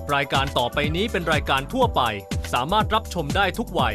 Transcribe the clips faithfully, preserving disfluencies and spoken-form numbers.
รายการต่อไปนี้เป็นรายการทั่วไปสามารถรับชมได้ทุกวัย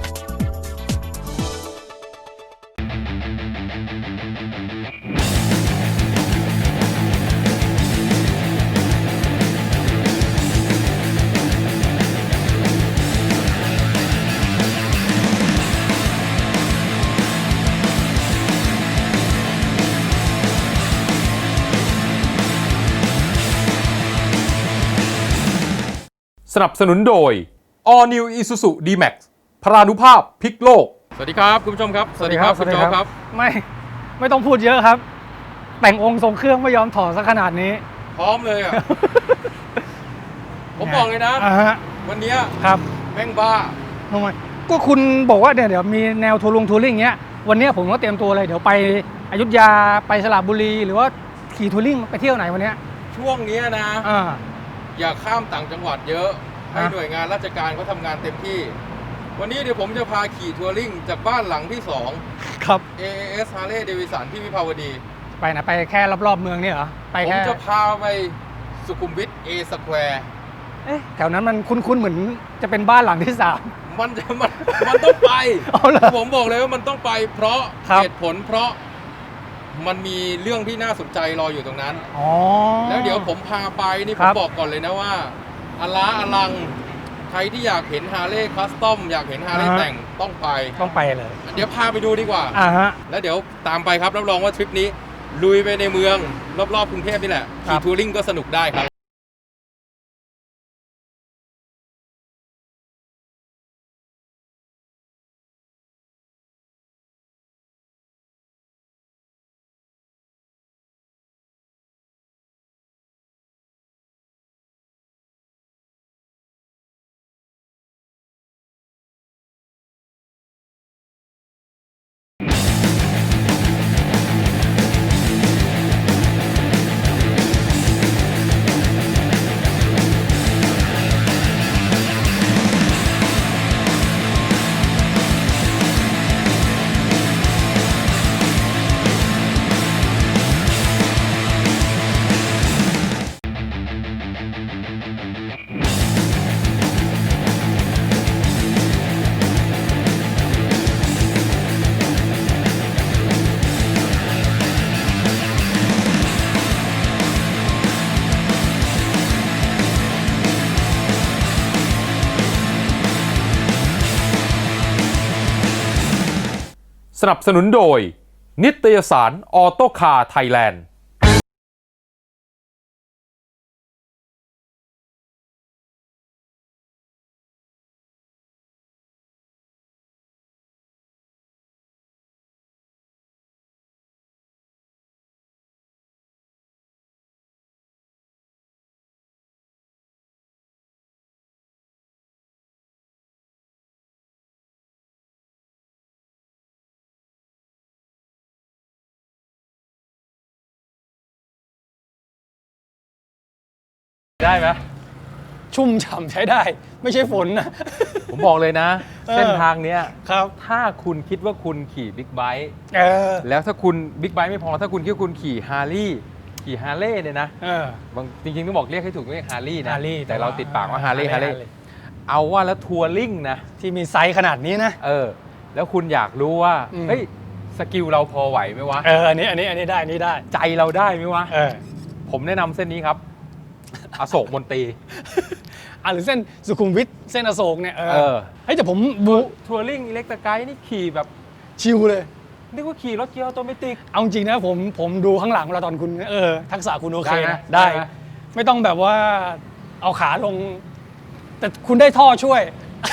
สนับสนุนโดย All New Isuzu D-Max พรานุภาพพลิกโลกสวัสดีครับคุณผู้ชมครับสวัสดีครับคุณโจครับไม่ไม่ต้องพูดเยอะครับแต่งองค์ทรงเครื่องไม่ยอมถอดซะขนาดนี้พร้อมเลยอ่ะ ผมบอกเลยนะวันนี้ครับแม่งบ้าทำไมก็คุณบอกว่าเดี๋ยวเดี๋ยวมีแนวทัวร์ลงทัวริ่งเงี้ยวันนี้ผมก็เตรียมตัวเลยเดี๋ยวไปอยุธยาไปสระบุรีหรือว่าขี่ทัวริ่งไปเที่ยวไหนวันนี้ช่วงนี้นะอย่าข้ามต่างจังหวัดเยอะให้หน่วยงานราชการเขาทำงานเต็มที่วันนี้เดี๋ยวผมจะพาขี่ทัวริ่งจากบ้านหลังที่สองครับเอ เอ เอส Harley Davidson ที่วิภาวดีไปนะไปแค่รอบๆเมืองนี่เหรอไปแค่ผมจะพาไปสุขุมวิท A Square เอ๊ะแถวนั้นมันคุ้นๆเหมือนจะเป็นบ้านหลังที่สามมันจะมันมันต้องไปผมบอกเลยว่ามันต้องไปเพราะเหตุผลเพราะมันมีเรื่องที่น่าสนใจรออยู่ตรงนั้นแล้วเดี๋ยวผมพาไปนี่ผมบอกก่อนเลยนะว่าอลาอลังใครที่อยากเห็นฮาร์เลย์คัสตอมอยากเห็นฮาร์เลย์แต่งต้องไปต้องไปเลยเดี๋ยวพาไปดูดีกว่าอ่าฮะแล้วเดี๋ยวตามไปครับรับรองว่าทริปนี้ลุยไปในเมืองรอบๆกรุงเทพนี่แหละขี่ทัวริ่งก็สนุกได้ครับสนับสนุนโดยนิตยสารออโต้คาร์ไทยแลนด์ได้ไหมชุ่มฉ่ำใช้ได้ไม่ใช่ฝนนะผมบอกเลยนะเส้นทางเนี้ยครับถ้าคุณคิดว่าคุณขี่บิ๊กไบค์แล้วถ้าคุณบิ๊กไบค์ไม่พอถ้าคุณคิดว่าคุณขี่ฮาร์ลีย์ขี่ฮาร์เลย์เนี่ยนะบางจริงๆต้องบอกเรียกให้ถูกเรียกฮาร์ลีย์นะแต่เราติดปากว่าฮาร์เลย์ฮาร์เลย์เอาว่าแล้วทัวริ่งนะที่มีไซส์ขนาดนี้นะเออแล้วคุณอยากรู้ว่าเฮ้ยสกิลเราพอไหวไหมวะเอออันนี้อันนี้อันนี้ได้อันนี้ได้ใจเราได้ไหมวะผมแนะนำเส้นนี้ครับอโศกมนตรีอ่ะหรือเส้นสุขุมวิทเส้นอโศกเนี่ยเออเฮ้ยแต่ผมบูทัวริ่งอิเล็กตร์ไกด์นี่ขี่แบบชิลเลยนึกว่าขี่รถเกียร์ออโตเมติกเอาจริงนะผมผมดูข้างหลังเวลาตอนคุณเออทักษะคุณโอเคนะได้ไม่ต้องแบบว่าเอาขาลงแต่คุณได้ท่อช่วย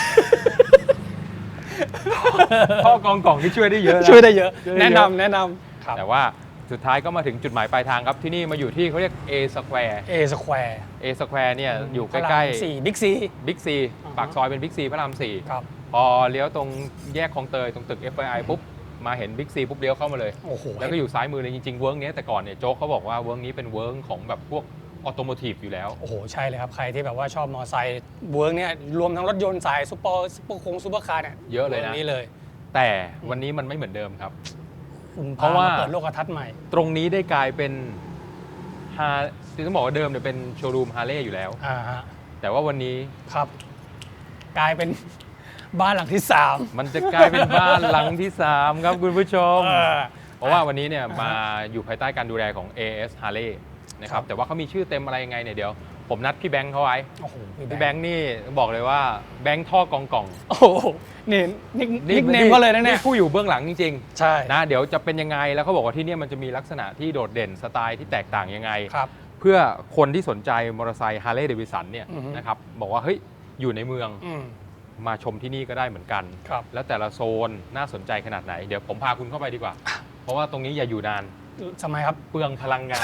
ท่อกองกล่องที่ช่วยได้เยอะช่วยได้เยอะแนะนำแนะนำแต่ว่าสุดท้ายก็มาถึงจุดหมายปลายทางครับที่นี่มาอยู่ที่เขาเรียก A Square A Square A Square เนี่ยอยู่ใกล้ๆสี่บิ๊กซีบิ๊กซีปากซอยเป็นบิ๊กซีพระรามสี่พอเลี้ยวตรงแยกคลองเตยตรงตึก เอฟ ไอ ไอ ปุ๊บมาเห็นบิ๊กซีปุ๊บเลี้ยวเข้ามาเลยแล้วก็อยู่ซ้ายมือเลยจริงๆเวิร์กนี้แต่ก่อนเนี่ยโจ๊กเขาบอกว่าเวิร์กนี้เป็นเวิร์กของแบบพวกออโตโมทีฟอยู่แล้วโอ้โหใช่เลยครับใครที่แบบว่าชอบมอเตอร์ไซค์เวิร์กเนี่ยรวมทั้งรถยนต์สายซุปเปอร์ซุปเปอร์คงซุปเปอร์คาร์เนี่ยเยอะเลยนะนี่เลยแต่วันนี้มันไม่เหมือนเดิมครับเพราะว่าเปิดโลกทัศน์ใหม่ตรงนี้ได้กลายเป็นฮาร์ที่ต้องบอกว่าเดิมเนี่ยเป็นโชว์รูมฮาร์เลย์อยู่แล้วแต่ว่าวันนี้ครับ กลายเป็นบ้านหลังที่สามมันจะกลายเป็นบ้านหลังที่สามครับคุณผู้ชมเออเพราะว่าวันนี้เนี่ยมาอยู่ภายใต้การดูแลของ เอ เอส Harley นะคครัรับบ แต่ว่าเขามีชื่อเต็มอะไรยังไงเนี่ยเดี๋ยวผมนัดพี่แบงค์เขาไว้โอ้โหพี่แบงค์นี่บอกเลยว่าแบงค์ท่อกองกล่องโอ้โหนี่นิกนิกเนมก็เลยนะเนี่ยผู้อยู่เบื้องหลังจริงใช่ๆนะเดี๋ยวจะเป็นยังไงแล้วเขาบอกว่าที่เนี่ยมันจะมีลักษณะที่โดดเด่นสไตล์ที่แตกต่างยังไงครับเพื่อคนที่สนใจมอเตอร์ไซค์ Harley Davidson เนี่ยอือฮึนะครับบอกว่าเฮ้ยอยู่ในเมืองอืมมาชมที่นี่ก็ได้เหมือนกันครับแล้วแต่ละโซนน่าสนใจขนาดไหนเดี๋ยวผมพาคุณเข้าไปดีกว่า เพราะว่าตรงนี้อย่าอยู่นานทำไมครับเปลืองพลังงาน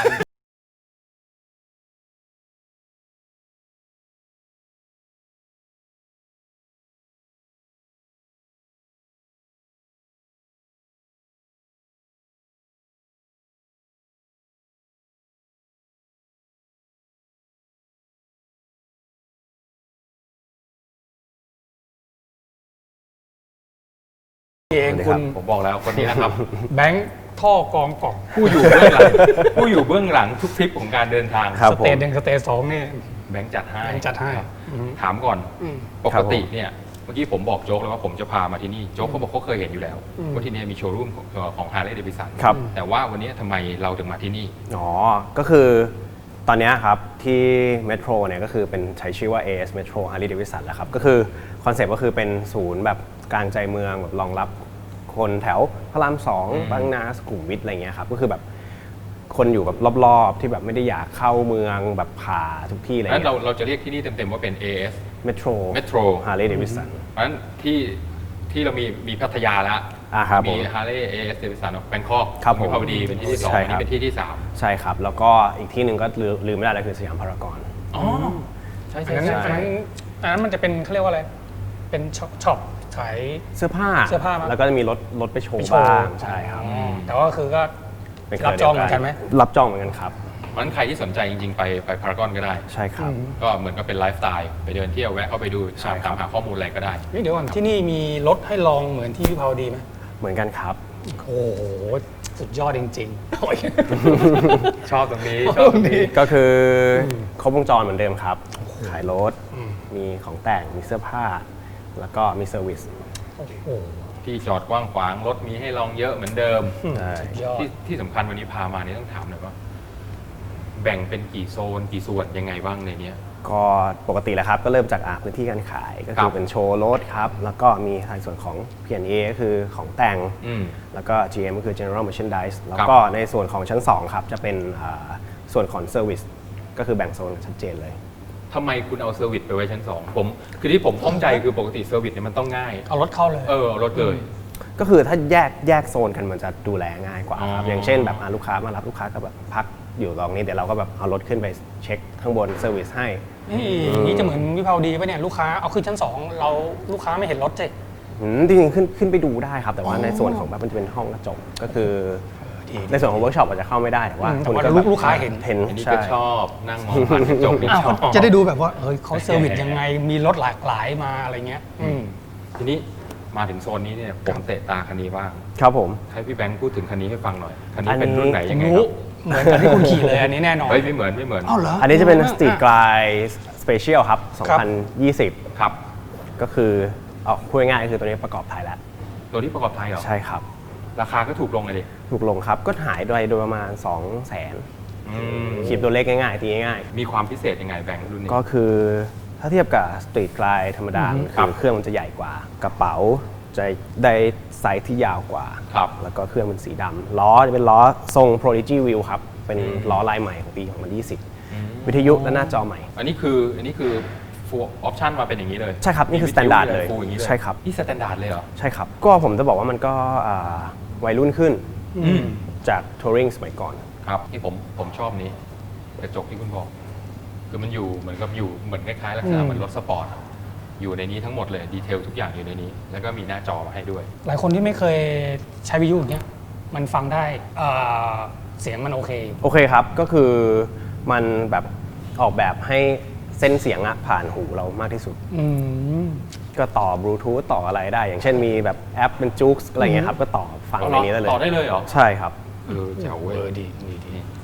เองคุณผมบอกแล้วคนนี้นะครับแบงค์ท่อกองกล่องผู้อยู่เบื้องหลัง ผู้อยู่เบื้องหลังทุกทริปของการเดินทางครับสผมเตจหนึ่งสเตจสองนี่แบงค์จัดให้แบงค์จัดให้ครับอืมถามก่อนอืมปกติเนี่ยเมื่อกี้ผมบอกโจ๊กแล้วว่าผมจะพามาที่นี่โจ๊กเขาบอกเขาเคยเห็นอยู่แล้วอืมว่าที่นี่มีโชว์รูมของของ Harley Davidson ครับแต่ว่าวันนี้ทำไมเราถึงมาที่นี่อ๋อ ก็คือตอนเนี้ยครับที่เมโทรเนี่ยก็คือเป็นใช้ชื่อว่า เอ เอส Metro Harley Davidson แล้วครับ ก็คือคอนเซ็ปต์ก็คือเป็นศูนย์แบบกลางใจเมืองแบบรองรับคนแถวพระรามสองอืมบางนาสุขุมวิทอะไรเงี้ยครับ ก็คือแบบคนอยู่แบบรอบๆ ที่แบบไม่ได้อยากเข้าเมืองแบบผ่าทุกที่อะไรงั้นเงี้เรายเราจะเรียกที่นี่เต็มๆว่าเป็น เอ เอสเมโทร Metro Harley Davidson เพราะฉะนั้นที่ที่เรามีมีพัทยาแล้วอ่าครับผมีม Harley เอ เอส Davidson แบงคอกครับผมวิภาวดีเป็นที่ที่สองใช่อันครับนี้เป็นที่ที่สามใช่ครับ แล้วก็อีกที่หนึ่งก็ลืมลืมไม่ได้เลยคือสยามพารากอนอ๋อใช่อัใช่นนั้นใช่อันนั้นอันนั้นมันจะเป็นเขาเรียกว่าอะไร เป็นช็อปช็อปขายเสื้อผ้าเสื้อผ้ามั้ยแล้วก็จะมีรถรถไปโชไปว์โชว์บ้างใช่ครับอืมแต่ว่าคือก็เป็นรับจองเหมือนกันไหมรับจองเหมือนกันครับเพราะฉะนั้นใครที่สนใจจริงๆ ไปไปพารากอนก็ได้ใช่ครับอืมก็เหมือนกับเป็นไลฟ์สไตล์ไปเดินเที่ยวแวะเข้าไปดูใช่ตามครับตามหาข้อมูลอะไรก็ได้นี่เดี๋ยวก่อนที่นี่มีรถให้ลองเหมือนที่วิภาวดีไหมเหมือนกันครับโอ้โห สุดยอดจริงๆโอ้ยชอบตรงนี้ ชอบตรงนี้ก็คืออครบวงจรเหมือนเดิมครับ ขายรถอืมมีของแต่ง มีเสื้อผ้า แล้วก็มีเซอร์วิสโอ้โหที่จอดกว้างขวางรถมีให้ลองเยอะเหมือนเดิมใช่สุดยอดที่ที่สำคัญวันนี้พามานี่ต้องถามหน่อยว่า แบ่งเป็นกี่โซนกี่ส่วนยังไงบ้างในเนี้ยก็ปกติแล้วครับ ก็เริ่มจากอาพื้นที่การขาย ก็ครัคือบ เป็นโชว์รถครับ แล้วก็มีทางส่วนของ พี แอนด์ เอ ก็คือของแต่งอืมแล้วก็ จี เอ็ม ก็คือ General Merchandise แล้วก็ในส่วนของชั้นสองครับ จะเป็นอ่าส่วนของ Service ก็คือแบ่งโซนชัดเจนเลยทำไมคุณเอาเซอร์วิสไปไว้ชั้นสองผมคือที่ผมข้องใจคือปกติเซอร์วิสเนี่ยมันต้องง่ายเอารถเข้าเลยเออรถเลยก็คือถ้าแยกแยกโซนกันมันจะดูแลง่ายกว่าครับอ๋อออย่างเช่นแบบอ่ะลูกค้ามารับลูกค้าก็แบบพักอยู่ตรงนี้เดี๋ยวเราก็แบบเอารถขึ้นไปเช็คข้างบนเซอร์วิสให้นี่นี่จะเหมือนวิภาวดีป่ะเนี่ยลูกค้าเอาขึ้นชั้นสองเราลูกค้าไม่เห็นรถสิอืมจริงๆขึ้นขึ้นไปดูได้ครับ แต่ว่าในส่วนของแบบมันจะเป็นห้องกระจกก็คือ ในส่วนของเวิร์กช็อปอาจจะเข้าไม่ได้แต่ว่าอืมแต่คุณว่าก็ลูแบกบลูกค้าเห็นเห็นอันนี้ใช่ก็ชอบนั่งมองผ่านกระจกนี่อ้าวชอบจะได้ดูแบบว่าเฮ้ยเขาเซอร์วิสยังไงมีรถหลากหลายมาอะไรเงี้ยอืมทีนี้มาถึงโซนนี้เนี่ยผมเตะตาคันนี้บ้างครับผมให้พี่แบงค์พูดถึงคันนี้ให้ฟังหน่อย คันอันี้นนี้เป็นรุ่นไหนผยัมงไงครู้รับเหมือนกับที่คุณขี่เลยอันนี้แน่นอนเฮ้ยไม่เหมือนไม่เหมือนอ้าวเหรออันนี้จะเป็นอ่าสตรีทกลายสเปเชียลครับครับสองพันยี่สิบครับก็คือเอาพูดง่ายๆคือตัวนี้ประกอบไทยแล้วตัวที่ประกอบไทยเหรอใช่ครับราคาก็ถูกลงเลยดิถูกลงครับก็หายโดยโดยประมาณ 2 0 0 0 0 อืม 0คิดตัวเลขง่ายๆตีง่ายมีความพิเศษยังไงแบงค์รุ่นนี้ๆก็คือถ้าเทียบกับสตรีทกลายธรรมดาอือฮึครัคืบอเครื่องมันจะใหญ่กว่า กระเป๋าจะได้ไซส์ที่ยาวกว่าครับแล้วก็เครื่องเป็นสีดำล้อจะเป็นล้อทรง Prodigy Wheel ครับ เป็นอืมล้อลายใหม่ของปีสองพันยี่สิบอืมวิทยุและหน้าจอใหม่อันนี้คืออันนี้คือฟูลออปชั่นมาเป็นอย่างนี้เลยใช่ครับนี่คือมีวิท standard มีะไเลย full อย่างนี้เลยใช่ครับนี่สแตนดาร์ดเลยเหรอใช่ครับ ก็ผมจะบอกว่ามันก็อ่าวัยรุ่นขึ้นอืมจากทัวริงสมัยก่อนครับที่ผมผมชอบนี้กระจกที่คุณบอก คือมันอยู่เหมือนกับอยู่เหมือนคล้ายๆลักษณะอืมเหมือนรถสปอร์ตอะอยู่ในนี้ทั้งหมดเลยดีเทลทุกอย่างอยู่ในนี้ แล้วก็มีหน้าจอมาให้ด้วยหลายคนที่ไม่เคยใช้วิทยุอย่างเงี้ยมันฟังได้เอ่อเสียงมันโอเคโอเคครับ ก็คือมันแบบออกแบบให้เส้นเสียงอะผ่านหูเรามากที่สุดอืมก็ต่อบลูทูธต่ออะไรได้ อย่างเช่นมีแบบแอปเป็นจุกอะไรเงี้ยครับ ก็ต่อฟังในนี้ได้เลยต่อได้เลยเหรอใช่ครับเออแจ๋วเว้ยเออดีดีดีนี่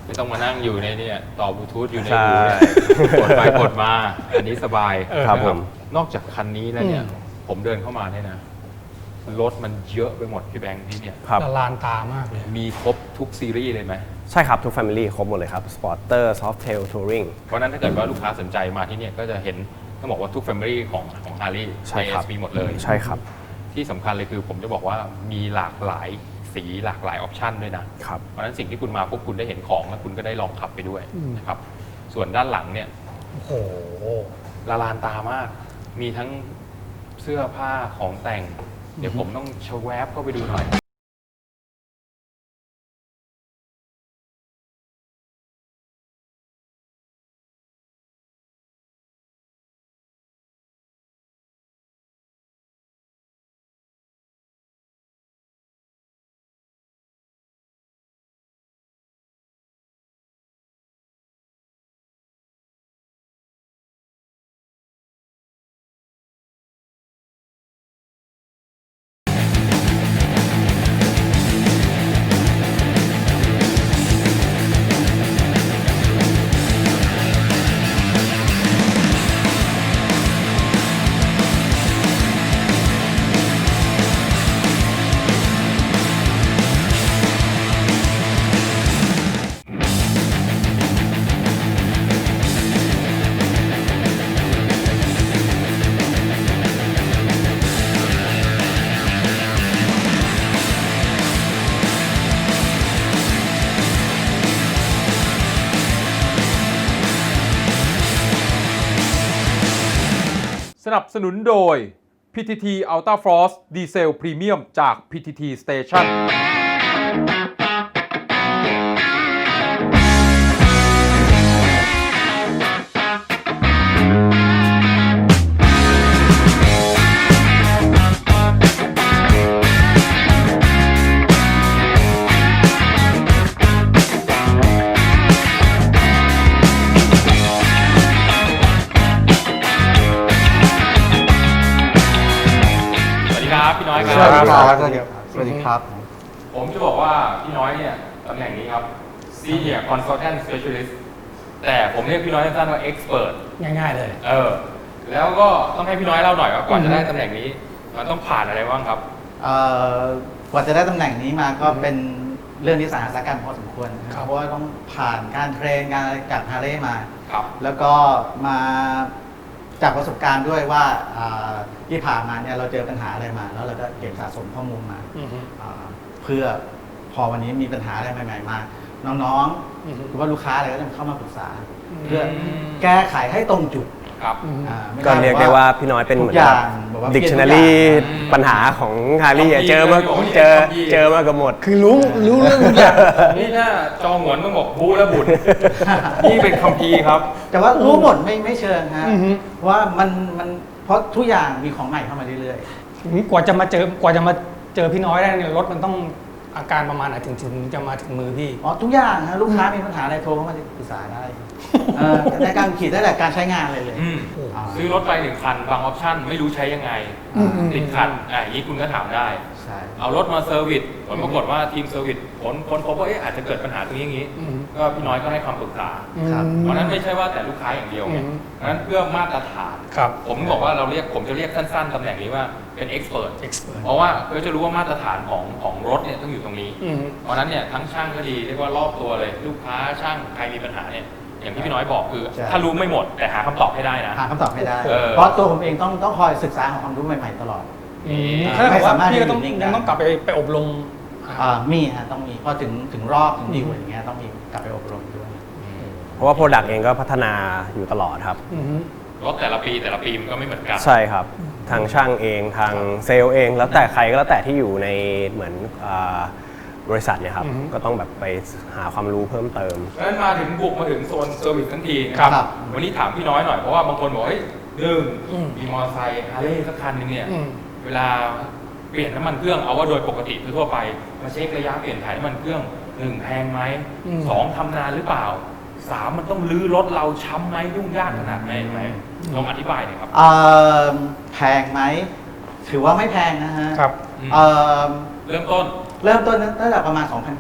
ไม่ต้องมานั่งอยู่ในเนี่ยต่อบลูทูธอยู่ในใช่หูเนี่ยกดไปกดมาอันนี้สบายครับนะผมนอกจากคันนี้แล้วเนี่ยอืมผมเดินเข้ามาเนี่ยนะรถมันเยอะไปหมดพี่แบงค์ที่เนี่ยครับละลานตามากเลยมีครบทุกซีรีส์เลยไหมใช่ครับ ทุก Family ครบหมดเลยครับ Sporter Softail Touring เพราะฉะนั้นถ้าเกิดว่าลูกค้าสนใจมาที่เนี่ยก็จะเห็นต้องบอกว่าทุก Family ของของ Harley ใช่ครับมีหมดเลยใช่ครับที่สำคัญเลยคือผมจะบอกว่ามีหลากหลายสีหลากหลายออปชันด้วยนะครับเพราะฉะนั้นสิ่งที่คุณมาปุ๊บคุณได้เห็นของแล้วคุณก็ได้ลองขับไปด้วยอืมนะครับ ส่วนด้านหลังเนี่ยโอ้โหละลานตามาก มีทั้งเสื้อผ้าของแต่ง เดี๋ยวผมต้องชะแวบเข้าไปดูหน่อยสนับสนุนโดย พี ที ที Ultra Frost Diesel Premium จาก พี ที ที Station สวัสดีครับพี่น้อยคสวัสรัดีบครับสวัสดีครับสวัสดีครับผมจะบอกว่าพี่น้อยเนี่ยตำแหน่งนี้ครับ Senior Consultant Specialist แต่ผมเรียกพี่น้อยสั้นๆว่า Expert ง่ายๆเลยเออ แล้วก็ต้องให้พี่น้อยเล่าหน่อยว่าก่อนจะได้ตำแหน่งนี้ มันต้องผ่านอะไรบ้างครับเอ่อกว่าจะได้ตำแหน่งนี้มาก็เป็นเรื่องที่สาหัสกันพอสมควรนะครับ เพราะว่าต้องผ่านการเทรนงานอะไรกับฮาร์เลย์มาครับแล้วก็มาจากประสบการณ์ด้วยว่าอ่าที่ผ่านมาเนี่ยเราเจอปัญหาอะไรมา แล้วเราก็เก็บสะสมข้อมูลมาอือฮึอ่าเพื่อพอวันนี้มีปัญหาอะไรใหม่ ๆ มา น้องอือฮึๆหรือว่าลูกค้าอะไรก็จะเข้ามาปรึกษาอืมเพื่อแก้ไขให้ตรงจุดครับอืมอ่าไม่ก็เรียกได้ว่าพี่น้อยเป็นเหมือนทุกอย่างแบบว่า Dictionary เปลี่ยนทุกอย่างปัญหาของฮาร์รี่คัมภีร์เจอมาเลยบอกว่าเจอคัมภีร์เจอมากับหมดคือรู้รู้เรื่องทุกอย่างนี่ถ้าจองหวนต้องบอกบูและบุญ นี่เป็นคัมภีร์ครับแต่ว่ารู้หมดไม่ไม่เชิงฮะอือฮึเพราะว่ามันมันเพราะทุกอย่างมีของใหม่เข้ามาเรื่อยกว่าจะมาเจอกว่าจะมาเจอพี่น้อยได้เนี่ยรถมันต้องอาการประมาณไหนถึงถึงจะมาถึงมือพี่ๆอ๋อทุกอย่างฮะลูกค้ามีปัญหาอะไรโทรเข้ามาปรึกษาได้เอ่อในการขีดได้แต่การใช้งานเลยเลยอืมอ่าซื้อรถไปหนึ่งคัน บางออปชั่นไม่รู้ใช้ยังไงอืมอืมติดขัดอ่าอย่างนี้คุณก็ถามได้ใช่เอารถมาเซอร์วิสผลปรากฏว่าทีมเซอร์วิสผลคนพบว่าเอ๊ะอาจจะเกิดปัญหาตรงนี้อย่างนี้อืมก็พี่น้อยก็ให้คำปรึกษาครับเพราะฉะนั้นไม่ใช่ว่าแต่ลูกค้าอย่างเดียวไงอืมเพราะฉะนั้นเพื่อมาตรฐานครับผมบอกว่าเราเรียกผมจะเรียกสั้นๆตำแหน่งนี้ว่าเป็นเอ็กซ์เพรส expert เพราะว่าเพื่อจะรู้ว่ามาตรฐานของของรถเนี่ยต้องอยู่ตรงนี้อืมเพราะฉะนั้นเนี่ยทั้งช่างก็ดีเรียกว่ารอบตัวเลย ลูกค้าช่างใครมีปัญหาเนี่ยอย่างที่พี่น้อยบอกคือใช่ถ้ารู้ไม่หมดแต่หาคำตอบให้ได้นะหาคำตอบไม่ได้เออเพราะตัวผมเองต้องต้องคอยศึกษาหาความรู้ใหม่ๆตลอดอืมอ่าถ้าเกิดไม่ว่าสามารถพี่ก็ต้องอยู่นิ่งได้ยังต้องกลับไปไปอบรมอ่ามีฮะต้องมีพอถึงถึงรอบถึงดิวอย่างเงี้ยต้องมีกลับไปอบรมด้วยเพราะว่า Product เองก็พัฒนาอยู่ตลอดครับอืมรถแต่ละปีแต่ละปีมันก็ไม่เหมือนกันใช่ครับ ทางช่างเองทางเซลล์เอง แล้วแต่ใครก็แล้วแต่ที่อยู่ในเหมือนอ่าบริษัทเนี่ยครับอือฮึก็ต้องแบบไปหาความรู้เพิ่มเติมเพราะฉะนั้นมาถึงบุกมาถึงโซนเซอร์วิสทั้งทีนะครับครับวันนี้ถามพี่น้อยหน่อยเพราะว่าบางคนบอกเฮ้ยหนึ่งอืมมีมอเตอร์ไซค์ฮาร์เลย์สักคันหนึงเนี่ยอืมเวลาเปลี่ยนน้ำมันเครื่องเอาว่าโดยปกติทั่วไปมาเช็คระยะเปลี่ยนถ่ายน้ำมันเครื่องหนึ่งแพงไหมอืมสองทำนานหรือเปล่าสามมันต้องลื้อรถเราช้ำไหมยุ่งยากขนาดไหนไหมลองอธิบายหน่อยครับเอ่อแพงไหมถือว่าไม่แพงนะฮะครับเอ่อเริ่มต้นเริ่มต้นตั้งแต่ประมาณ สองพัน กว่าโ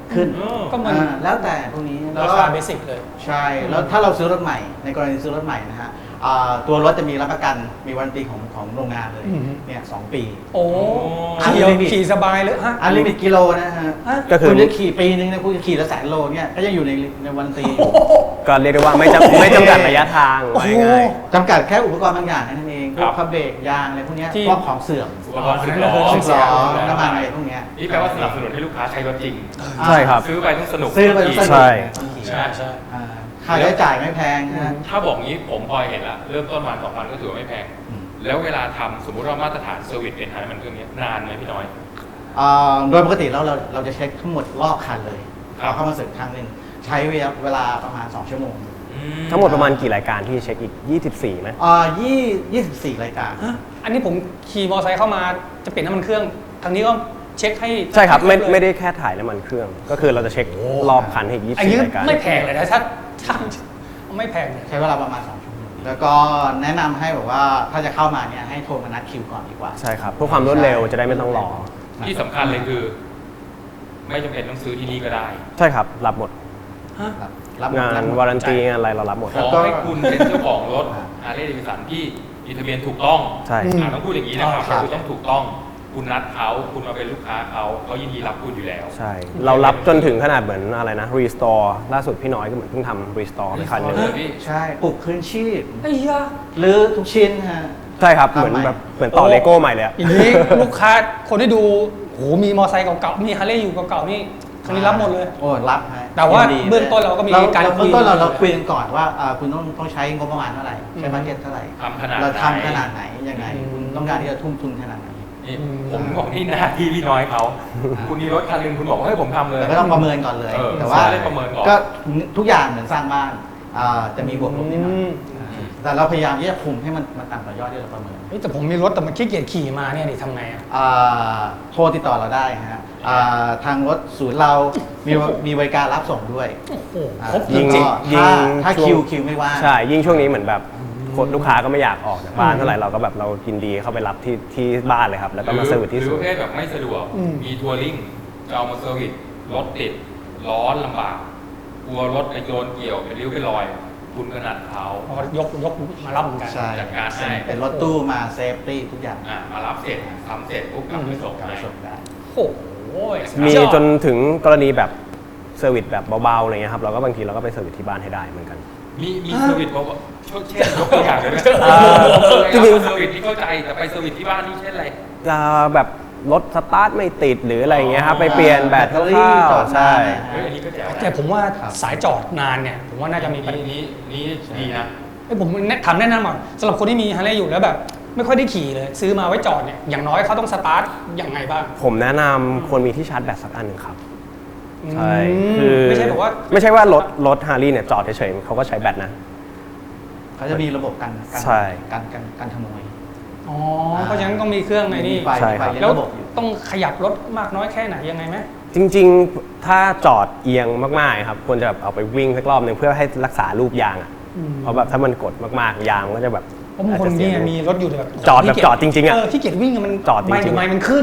ขึ้นก็มันอ่าแล้วแต่พวกนี้แล้วราก็คาเบสิกเลยใช่ แล้วถ้าเราซื้อรถใหม่ในกรณีซื้อรถใหม่นะฮะอ่าตัวรถจะมีรับประกันมีวารันตีของของโรงงานเลยอืมเนี่ยสองปีโอ้อันขี่ลิมิตขี่สบายเลยฮะอันลิมิตกิโลนะฮะฮะก็คือคุณจะขี่ปีนึงนะคุณจะขี่ละแสนโลเนี่ยก็ยังอยู่ในในวารันตีอยู่ก็เรียกได้ว่าไม่จำไม่จำกัดระยะทางโอ้ว่าโหง่ายจำกัดแค่อุปกรณ์บางอย่างนั่นเองพวกพับเบรกยางอะไรพวกเนี้ยที่พวกของเสื่อมอุปกรณ์อ๋อซื้อนั่นก็คือล้อต้องเสียล้อน้ำมันอะไรพวกเนี้ยนี่แปลว่าสนับสนุนให้ลูกค้าใช้รถจริงๆใช่ครับซื้อไปต้องสนุกซื้อไปต้องสนุกใช่ต้องขี่ใช่ใช่อ่าค่าใช้จ่ายไม่แพงนะฮะถ้าบอกงี้ผมพอเห็นละเริ่มต้นมาสองพันก็ถือว่าไม่แพงอืมแล้วเวลาทำสมมุติว่ามาตรฐานเซอร์วิสเป็นไฮมันเครื่องนี้นานไหมพี่น้อยอ่าโดยปกติแล้วเราเราจะเช็คทั้งหมดรอบคันเลยครับเราเข้ามาเสร็จครั้งหนึ่งใช้เวลาประมาณ สอง ชั่วโมงทั้งหมดประมาณกี่รายการที่เช็คอีก ยี่สิบสี่ไหมอ่ายี่ยี่สิบสี่รายการฮะอันนี้ผมขี่มอเตอร์ไซค์เข้ามาจะเปลี่ยนน้ำมันเครื่องทางนี้ก็เช็คให้ใช่ครับไม่เลยไม่ได้แค่ถ่ายน้ำมันเครื่อง ก็คือเราจะเช็ครอบคันให้อีกยี่สิอันบนี้สี่รายการไม่แพงเลยนะถ้าถ้าไม่แพงเลยใช้เวลาประมาณ สอง ชั่วโมง แล้วก็แนะนำให้แบบว่าถ้าจะเข้ามาเนี่ยให้โทรมานัดคิวก่อนดีกว่าใช่ครับเพื่อความรวดเร็วจะได้ไม่ต้องรอที่สำคัญเลยคือ ไม่จำเป็นต้องซื้อที่นี่ก็ได้ใช่ครับ รับหมดรับรับหมดงารับนหมดวารันตีงานอะไรเรารับหมดขครับอให้คุณเป็นเจ้าของรถฮาร์เลย์เดวิสันที่มีทะเบียนถูกต้องใช่อ่าต้องพูดอย่างนี้นะครับครับคือต้องถูกต้อง คุณนัดเขาคุณมาเป็นลูกค้าเขาเขายินดีรับคุณอยู่แล้วใช่ เรารับจนถึงขนาดเหมือนอะไรนะรีสตอร์ล่าสุดพี่น้อยก็เหมือนเพิ่งทำรีสตอร์ไปคันหนึง Restore พี่ใช่ปลุกคืนชีพไอ้ยาหรือทุกชิ้นฮะใช่ครับเหมือนแบบเหมือนต่อเลโก้ใหม่เลยอะอย่างนี้ลูกค้าคนที่ดูโหมีมอเตอร์ไซค์เก่าๆมีฮาร์เลย์อยู่เก่าๆนี่คนนี้รับหมดเลยโอ้รับฮะแต่ว่ายิดีเบื้องต้นเราก็มีการเบื้องคุยต้นเราเราคุยกันก่อนว่าอ่าคุณต้องต้องใช้งบประมาณเท่าไหร่ใช้บัตเจ็ตเท่าไหร่ทำขนาดไหนเราทำขนาดไหนยังไงคุณต้องการที่จะทุ่มทุนขนาดไหนนี่ผมบอกที่หน้าที่พี่น้อยเขาคุณมีรถคันหนึงคุณบอกว่าให้ผมทำเลยแต่ก็ต้องประเมินก่อนเลยเออแต่ว่าใช่ได้ประเมินก่อนก็ทุกอย่างเหมือนสร้างบ้านอ่าจะมีบวกลบนิดหน่อยอืมแต่เราพยายามที่จะคุมให้มันมันต่ำกว่ายอดที่เราประเมินเฮ้ยแต่ผมมีรถแต่มันขี้เกียจขี่มาเนี่ยดิทำไงอ่ะอ่าโทรติดต่อเราได้ฮะอ่าทางรถศูนย์เรามีมีบริการรับส่งด้วยโอ้โหอ่าครบจยิงริงยิถ้าง ถ้าช่วงคิวคิวไม่ว่างใช่ ยิ่งช่วงนี้เหมือนแบบคนลูกค้าก็ไม่อยากออกจากบ้านเท่าไหร่เราก็แบบเรายินดีเข้าไปรับที่ที่บ้านเลยครับ แล้วก็มาเซอร์วิสที่หรืศูอน ประย์เภทแบบไม่สะดวกอืมมีทัวริงจะเอามาเซอร์วิสรถติดร้อนลำบากกลัวรถไปโดนเกี่ยวเป็นริ้วเป็นรอย คุณก็นัดเขาอ๋อยกยกมารับเหมือนกันใช่จัดการให้เป็นรถตู้มาเซฟตี้ทุกอย่างอ่ะมารับเสร็จทำเสร็จปุ๊บกลับไปส่งกลับให้ไปส่งได้โอ้โหมีสุดยอดจนถึงกรณีแบบเซอร์วิสแบบเบาๆอะไรเงี้ยครับเราก็บางทีเราก็ไปเซอร์วิสที่บ้านให้ได้เหมือนกันมีมีเซอร์วิสบอกว่าเช่นยกตัวอย่างเลยไหมอ่าจริงๆเซอร์วิสที่เข้าใจแต่ไปเซอร์วิสที่บ้านนี่เช่นอะไรจะแบบรถสตาร์ทไม่ติดหรืออะไรเงี้ยครับไปเปลี่ยนแบตแบตเตอรี่คร่าวจอดๆใช่นานเฮ้ยอันนี้ก็แจ๋วนะแต่ผมว่าครับสายจอดนานเนี่ย ผมว่าน่าจะมีปัญนี่หานี่นี่ดีนะเอ้ยผมแนะถามแนะนำก่อนสำหรับคนที่มีฮาร์เลย์อยู่แล้วแบบ ไม่ค่อยได้ขี่เลย ซื้อมาไว้จอดเนี่ยอย่างน้อยเขาต้องสตาร์ทอย่างไงบ้างผมแนะนำควรมีที่ชาร์จแบตสักอันหนึ่งครับ ใช่อืมคือไม่ใช่แบบว่าไม่ใช่ว่ารถรถฮาร์ลีเนี่ยจอดเฉยๆเขาก็ใช้แบตนะเขาจะมีระบบกันกันใช่กันกันกันขโมยอ๋อเพราะฉะนั้นต้องมีเครื่องในนี่มีไฟใช่มีไฟครับเลี้ยงแล้วระบบอยู่ต้องขยับรถมากน้อยแค่ไหนยังไงไหมจริงๆ ถ้าจอดเอียงมากๆครับควรจะแบบเอาไปวิ่งสักรอบหนึ่งเพื่อให้รักษารูปยางอ่ะอืมเพราะแบบถ้ามันกดมากๆยางมันก็จะแบบเพราะบางคนเนี่ยมีรถอยู่แต่แบบจอดแบบจอดจริงๆอะเที่เกียจวิ่งอะมันจอดจริงๆไม่เดี๋ยวไม่มันขึ้น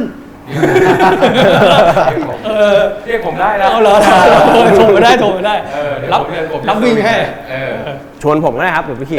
เออเรียกผมได้นะเอาเหรอโทรมาได้โทรมาได้เออเดี๋ยวรับผมเรียนผมรับวิ่งให้เออชวนผมก็ได้ครับเดี๋ยวไปขี่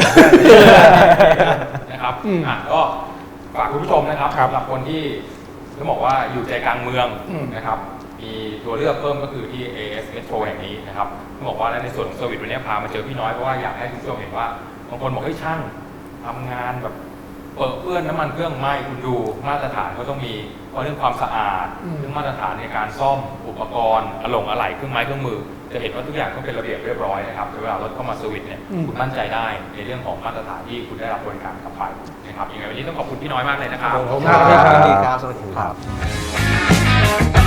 นะครับอืมอ่ะก็ฝากคุณผู้ชมนะครับครับสำหรับคนที่ต้องบอกว่าอยู่ใจกลางเมืองอืมนะครับมีตัวเลือกเพิ่มก็คือที่ เอ เอส Metro แห่งนี้นะครับต้องบอกว่าในส่วนของเซอร์วิสวันนี้พามาเจอพี่น้อยเพราะว่าอยากให้คุณผู้ชมเห็นว่าบางคนบอกเฮ้ยช่างทำงานแบบเปิดเปื้อนน้ำมันเครื่องไหม้คุณดูมาตรฐานก็ต้องมีเพราะเรื่องความสะอาดอืมเรื่องมาตรฐานในการซ่อมอุปกรณ์อะลงอะไหล่เครื่องไม้เครื่องมือ จะเห็นว่าทุกอย่างต้องเป็นระเบียบเรียบร้อยนะครับเวลารถเข้ามาเซอร์วิสเนี่ยคุณมั่นใจได้ในเรื่องของมาตรฐานที่คุณได้รับบริการกลับไปนะครับยังไงวันนี้ต้องขอบคุณพี่น้อยมากเลยนะครับขอบคุณคมากรับครับสวัสดีครับสวัสดีครับ